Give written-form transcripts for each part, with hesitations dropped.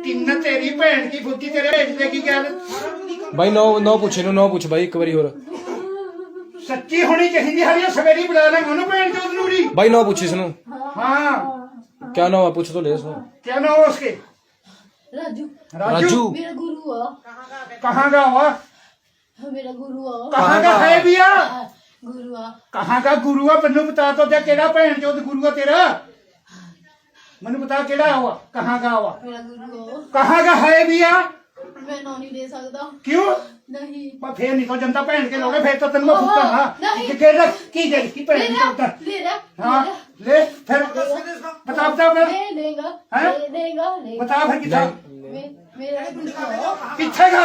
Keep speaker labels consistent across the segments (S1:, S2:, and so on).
S1: किन्न तेरी भैन की फुद्दी तेरे भेज देगी क्या
S2: भाई नो नो पूछ इनू नो पूछ भाई एक बारी और
S1: सच्ची होनी चाहिए हरी सवेरी बुला लेंगे उन्होंने भैन चोद नूरी
S2: भाई नो पूछ इसनू
S1: हाँ
S2: क्या नो है पूछ तो ले इसनू
S1: क्या नाम है उसके
S3: राजू
S2: राजू
S3: मेरा गुरु आ
S1: कहाँ का हुआ
S3: मेरा गुरु आ
S1: कहाँ का है भैया
S3: गुरु आ
S1: कहाँ का गुरु है मनु बता तो दे केड़ा भैन चोद गुरु है तेरा मनु बता केड़ा हुआ कहाँ का हुआ
S3: मेरा गुरु आ
S1: कहाँ का है भैया
S3: मैं नो नहीं दे सकता
S1: क्यों
S3: नहीं
S1: मैं फिर नहीं तो जनता भैन के लोगे फिर तो तेन मैं फुकता ना
S3: नहीं।
S1: कि केड़ा की दे की भैन
S3: ले
S1: चोद
S3: ले ले
S1: हाँ ले फिर बता बता फिर
S3: ले लेगा
S1: हैं?
S3: ले लेगा ले
S1: बता फिर कितना
S3: मेरा गुरु आ
S1: किथे का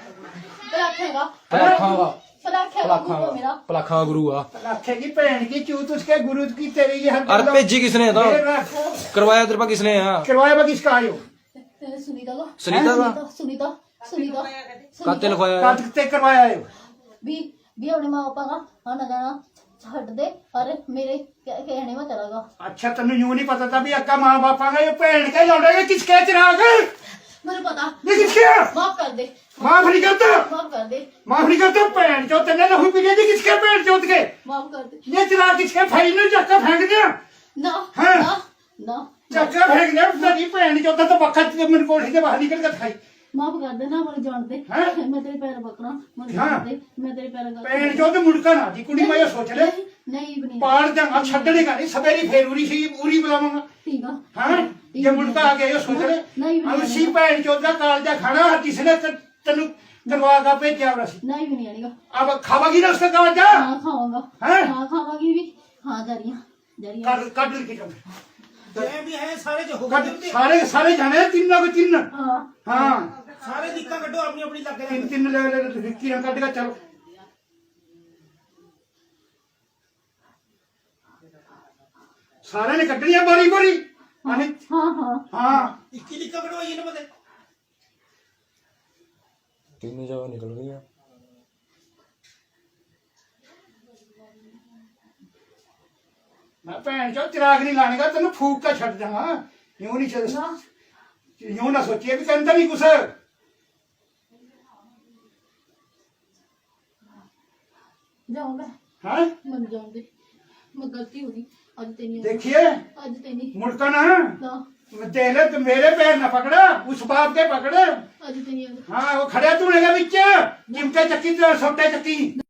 S3: रखेगा
S2: पलाखावा
S3: रखेगा गुरु मेरा
S2: पलाखा गुरु आ
S1: लाखे की भैन की चूत उसके गुरु की तेरी ये हर
S2: अरे भेजी किसने था करवाया तेरे पा किसने है
S1: करवाया बा किसका आयो
S3: सुनीता का
S2: सुनीता का
S3: सुनीता सुनीता
S2: काते लिखवाया
S1: काट के करवाया आयो
S3: भी अपने माँ पापा का आना जाना छੱਡ दे और मेरे कहने में चला गया
S1: अच्छा तेन यूं नहीं पता था भी अक्का माँ बापा का ये भैन के लौटेगा किसके चिराग
S3: मुझे पता
S1: ये किसके
S3: माफ कर दे
S1: माफ नहीं करता
S3: माफ कर दे
S1: माफ नहीं करता भैन चो तेने लहू पी लिया किसके भैन चोद के
S3: माफ कर दे
S1: ये चिराग किसके भाई ने चक्का फेंक दिया
S3: ना
S1: हाँ।
S3: ना ना
S1: चक्का फेंक दिया तेरी भैन चोद तो वक्त मेरे कोठी से बाहर निकल कर खाई
S3: माफ कर दे ना मुझे जान दे
S1: हैं?
S3: मैं तेरे पैर पकड़ा मुझे
S1: हाँ।
S3: जान दे मैं तेरे पैर
S1: भैन चोद मुड़का ना जी कुड़ी मैं ये सोच ले
S3: नहीं बनी
S1: पाड़ जाऊंगा छड़ने का नहीं सवेरी फिर उरी सी उरी बुलाऊंगा
S3: ठीक है
S1: हाँ ये मुड़का आ गया ये सोच ले
S3: नहीं
S1: अब सी भैन चोद का कालजा खाना किसने तेन करवा का भेजा होना सी
S3: नहीं भी नहीं आएगा
S1: अब खावागी ना उसका कालजा
S3: हाँ खाऊंगा
S1: हैं?
S3: हाँ खावागी भी हाँ जरिया
S1: काट की कम
S4: जय भी है सारे जो
S1: काट सारे सारे जाने हैं, तीन लोग तीन
S3: हाँ
S1: हाँ
S4: सारे दिक्कत कटो अपनी अपनी लग
S1: तीन तीन ले किरण काट का चलो सारे ने कटनी है बारी बारी
S3: हाँ हाँ
S1: हाँ
S4: इक्की लिखा कटो ये ना पता
S2: तीन जगह निकल गई है
S1: मैं भैन चो चिराग नहीं लाने का तेन फूक का छड़ जाऊंगा यूं नहीं चल यूं ना सोचिए भी कहता नहीं कुछ
S3: जाऊंगा
S1: हाँ
S3: मन जाऊं दे मैं गलती होगी आज तेरी
S1: देखिए
S3: आज तेरी
S1: मुड़का ना
S3: ना
S1: देख ले तो मेरे पैर ना पकड़ा उस बाप के पकड़े
S3: आज तेरी
S1: हाँ वो खड़े तू लेगा बिच चिमटे चक्की तो सोटे चक्की